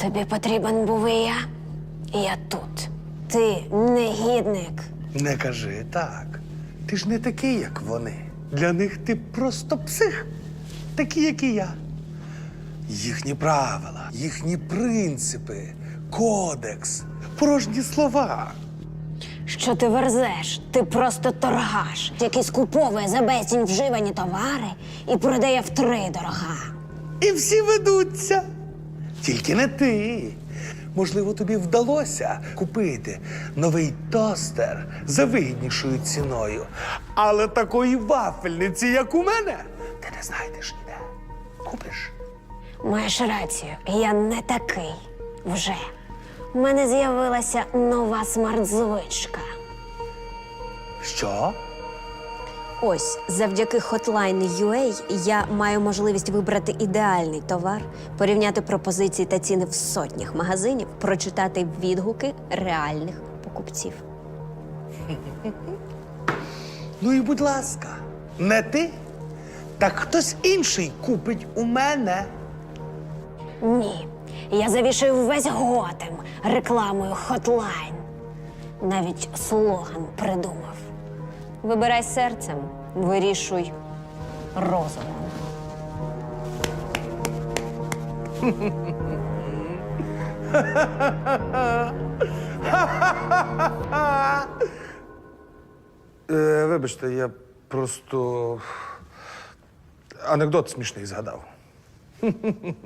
Тобі потрібен був і я тут. Ти негідник. Не кажи так. Ти ж не такий, як вони. Для них ти просто псих, такий, як і я. Їхні правила, їхні принципи, кодекс, порожні слова. Що ти верзеш? Ти просто торгаш, який скуповує за безцінь вживані товари і продає втридорога. І всі ведуться. Тільки не ти. Можливо, тобі вдалося купити новий тостер за вигіднішою ціною. Але такої вафельниці, як у мене, ти не знайдеш ніде. Купиш? Маєш рацію, я не такий вже. У мене з'явилася нова смарт-звичка. Що? Ось, завдяки Hotline.ua я маю можливість вибрати ідеальний товар, порівняти пропозиції та ціни в сотнях магазинів, прочитати відгуки реальних покупців. Ну і будь ласка, не ти, так хтось інший купить у мене. Ні, я завішую весь Готем рекламою Hotline. Навіть слоган придумав. Вибирай серцем, вирішуй розумом. Вибачте, я просто анекдот смішний згадав.